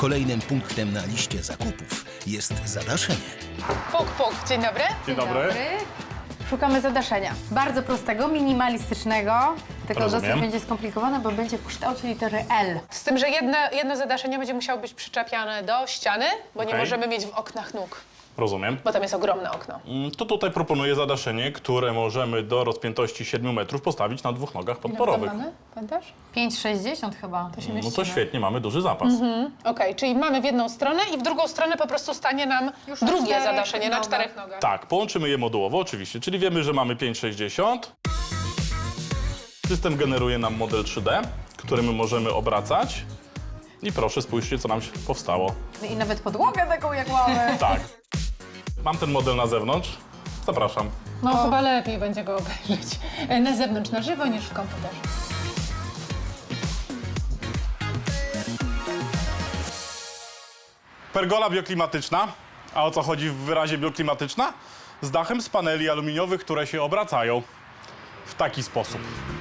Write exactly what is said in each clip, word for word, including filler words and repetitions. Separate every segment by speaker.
Speaker 1: Kolejnym punktem na liście zakupów jest zadaszenie.
Speaker 2: Puk, puk. Dzień dobry.
Speaker 3: Dzień dobry.
Speaker 4: Szukamy zadaszenia. Bardzo prostego, minimalistycznego. Tylko
Speaker 3: Rozumiem.
Speaker 4: dosyć będzie skomplikowane, bo będzie w kształcie litery L.
Speaker 2: Z tym, że jedno, jedno zadaszenie będzie musiało być przyczepiane do ściany, bo nie
Speaker 3: Okej.
Speaker 2: możemy mieć w oknach nóg,
Speaker 3: Rozumiem.
Speaker 2: bo tam jest ogromne okno.
Speaker 3: Mm, To tutaj proponuję zadaszenie, które możemy do rozpiętości siedmiu metrów postawić na dwóch nogach podporowych.
Speaker 2: Pamiętasz?
Speaker 4: pięć sześćdziesiąt chyba. To się
Speaker 3: No
Speaker 4: mieści.
Speaker 3: to świetnie, mamy duży zapas.
Speaker 2: Okej, czyli mamy w jedną stronę i w drugą stronę po prostu stanie nam
Speaker 4: Już na
Speaker 2: drugie
Speaker 4: czterech
Speaker 2: zadaszenie na
Speaker 4: nogach.
Speaker 2: czterech nogach.
Speaker 3: Tak, połączymy je modułowo oczywiście, czyli wiemy, że mamy pięć sześćdziesiąt. System generuje nam model trzy D, który my możemy obracać. I proszę, spójrzcie, co nam się powstało.
Speaker 4: I nawet podłogę taką jak mamy.
Speaker 3: Tak. Mam ten model na zewnątrz. Zapraszam.
Speaker 2: No chyba lepiej będzie go obejrzeć e, na zewnątrz na żywo niż w komputerze.
Speaker 3: Pergola bioklimatyczna. A o co chodzi w wyrazie bioklimatyczna? Z dachem z paneli aluminiowych, które się obracają w taki sposób.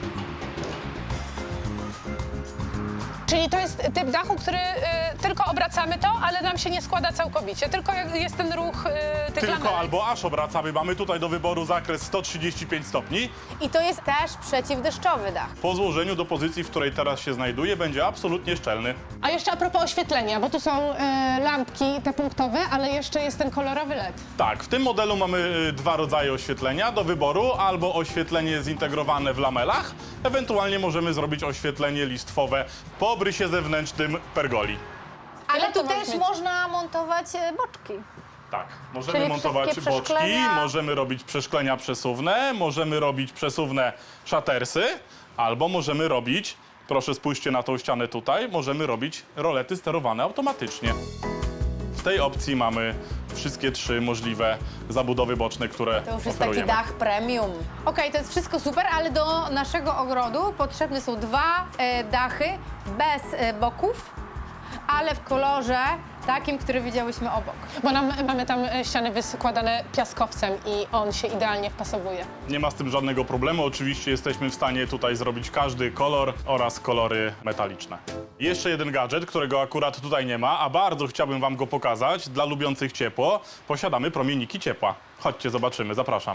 Speaker 2: Czyli to jest typ dachu, który y, tylko obracamy to, ale nam się nie składa całkowicie, tylko jak jest ten ruch y, tych
Speaker 3: Tylko
Speaker 2: lamelek.
Speaker 3: albo aż obracamy. Mamy tutaj do wyboru zakres sto trzydzieści pięć stopni.
Speaker 4: I to jest też przeciwdeszczowy dach.
Speaker 3: Po złożeniu do pozycji, w której teraz się znajduje, będzie absolutnie szczelny.
Speaker 2: A jeszcze a propos oświetlenia, bo tu są y, lampki te punktowe, ale jeszcze jest ten kolorowy L E D.
Speaker 3: Tak, w tym modelu mamy y, dwa rodzaje oświetlenia do wyboru. Albo oświetlenie zintegrowane w lamelach, ewentualnie możemy zrobić oświetlenie listwowe po obrysie zewnętrznym pergoli.
Speaker 4: Ale
Speaker 2: Ile to
Speaker 4: tu
Speaker 2: ma
Speaker 4: też
Speaker 2: mieć?
Speaker 4: można montować e, boczki.
Speaker 3: Tak, możemy
Speaker 4: Czyli
Speaker 3: montować
Speaker 4: wszystkie
Speaker 3: boczki,
Speaker 4: przeszklenia.
Speaker 3: możemy robić przeszklenia przesuwne, możemy robić przesuwne szatersy, albo możemy robić, proszę spójrzcie na tą ścianę tutaj, możemy robić rolety sterowane automatycznie. W tej opcji mamy wszystkie trzy możliwe zabudowy boczne, które
Speaker 4: To już jest
Speaker 3: oferujemy.
Speaker 4: taki dach premium. Okej, to jest wszystko super, ale do naszego ogrodu potrzebne są dwa e, dachy bez e, boków, ale w kolorze takim, który widziałyśmy obok.
Speaker 2: Bo nam, mamy tam y, ściany wyskładane piaskowcem i on się idealnie wpasowuje.
Speaker 3: Nie ma z tym żadnego problemu. Oczywiście jesteśmy w stanie tutaj zrobić każdy kolor oraz kolory metaliczne. Jeszcze jeden gadżet, którego akurat tutaj nie ma, a bardzo chciałbym wam go pokazać. Dla lubiących ciepło posiadamy promienniki ciepła. Chodźcie, zobaczymy. Zapraszam.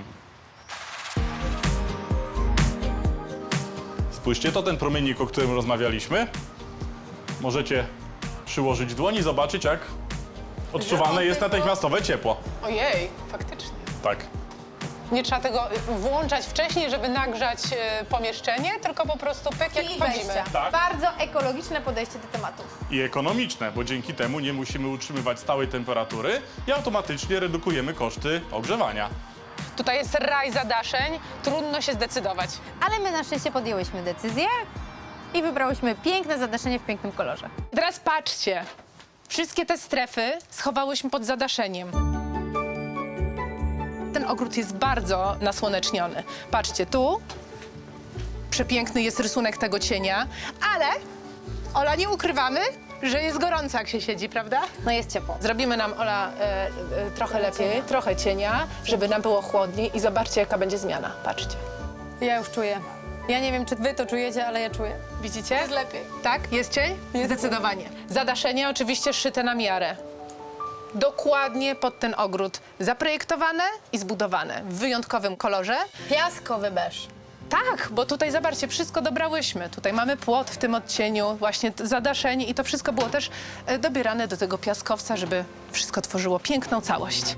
Speaker 3: Spójrzcie, to ten promiennik, o którym rozmawialiśmy. Możecie przyłożyć dłoń i zobaczyć, jak odczuwane jest natychmiastowe ciepło.
Speaker 2: Ojej, faktycznie.
Speaker 3: Tak.
Speaker 2: Nie trzeba tego y, włączać wcześniej, żeby nagrzać y, pomieszczenie, tylko po prostu pyk jak
Speaker 4: I
Speaker 2: wchodzimy.
Speaker 4: wejścia.
Speaker 3: Tak.
Speaker 4: Bardzo ekologiczne podejście do tematu.
Speaker 3: I ekonomiczne, bo dzięki temu nie musimy utrzymywać stałej temperatury i automatycznie redukujemy koszty ogrzewania.
Speaker 2: Tutaj jest raj zadaszeń, trudno się zdecydować.
Speaker 4: Ale my na szczęście podjęłyśmy decyzję i wybrałyśmy piękne zadaszenie w pięknym kolorze.
Speaker 2: Teraz patrzcie, wszystkie te strefy schowałyśmy pod zadaszeniem. Ten ogród jest bardzo nasłoneczniony. Patrzcie, tu przepiękny jest rysunek tego cienia, ale, Ola, nie ukrywamy, że jest gorąco, jak się siedzi, prawda?
Speaker 4: No jest ciepło.
Speaker 2: Zrobimy nam, Ola, e, e, trochę lepiej, trochę cienia, żeby nam było chłodniej i zobaczcie, jaka będzie zmiana. Patrzcie.
Speaker 4: Ja już czuję. Ja nie wiem, czy wy to czujecie, ale ja czuję.
Speaker 2: Widzicie?
Speaker 4: Jest lepiej.
Speaker 2: Tak? Jest cień? Zdecydowanie. Zadaszenie oczywiście szyte na miarę. Dokładnie pod ten ogród zaprojektowane i zbudowane w wyjątkowym kolorze.
Speaker 4: Piaskowy beż.
Speaker 2: Tak, bo tutaj zobaczcie, wszystko dobrałyśmy. Tutaj mamy płot w tym odcieniu, właśnie t- zadaszenie i to wszystko było też e, dobierane do tego piaskowca, żeby wszystko tworzyło piękną całość.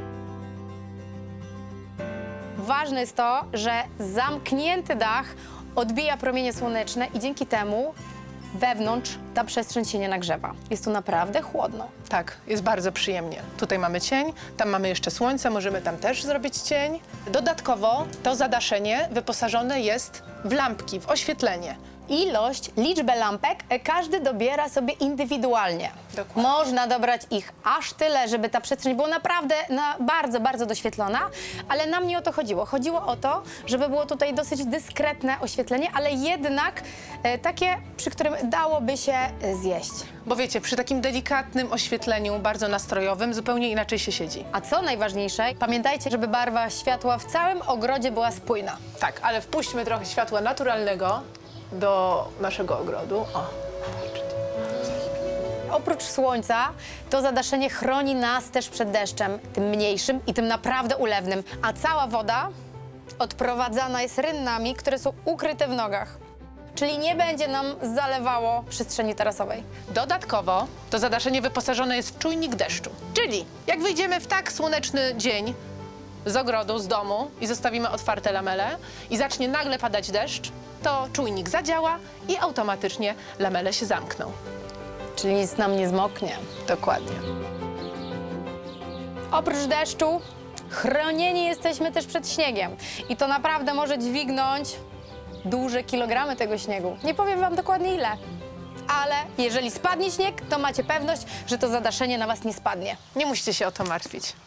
Speaker 4: Ważne jest to, że zamknięty dach odbija promienie słoneczne i dzięki temu wewnątrz ta przestrzeń się nie nagrzewa. Jest tu naprawdę chłodno.
Speaker 2: Tak, jest bardzo przyjemnie. Tutaj mamy cień, tam mamy jeszcze słońce, możemy tam też zrobić cień. Dodatkowo to zadaszenie wyposażone jest w lampki, w oświetlenie.
Speaker 4: Ilość, liczbę lampek e, każdy dobiera sobie indywidualnie.
Speaker 2: Dokładnie.
Speaker 4: Można dobrać ich aż tyle, żeby ta przestrzeń była naprawdę na bardzo, bardzo doświetlona, ale nam nie o to chodziło. Chodziło o to, żeby było tutaj dosyć dyskretne oświetlenie, ale jednak e, takie, przy którym dałoby się e, zjeść.
Speaker 2: Bo wiecie, przy takim delikatnym oświetleniu, bardzo nastrojowym, zupełnie inaczej się siedzi.
Speaker 4: A co najważniejsze, pamiętajcie, żeby barwa światła w całym ogrodzie była spójna.
Speaker 2: Tak, ale wpuśćmy trochę światła naturalnego do naszego ogrodu. O, patrzcie.
Speaker 4: Oprócz słońca, to zadaszenie chroni nas też przed deszczem, tym mniejszym i tym naprawdę ulewnym, a cała woda odprowadzana jest rynnami, które są ukryte w nogach. Czyli nie będzie nam zalewało przestrzeni tarasowej.
Speaker 2: Dodatkowo to zadaszenie wyposażone jest w czujnik deszczu. Czyli jak wyjdziemy w tak słoneczny dzień z ogrodu, z domu i zostawimy otwarte lamele i zacznie nagle padać deszcz, to czujnik zadziała i automatycznie lamele się zamkną.
Speaker 4: Czyli nic nam nie zmoknie.
Speaker 2: Dokładnie.
Speaker 4: Oprócz deszczu chronieni jesteśmy też przed śniegiem. I to naprawdę może dźwignąć duże kilogramy tego śniegu. Nie powiem wam dokładnie ile. Ale jeżeli spadnie śnieg, to macie pewność, że to zadaszenie na was nie spadnie.
Speaker 2: Nie musicie się o to martwić.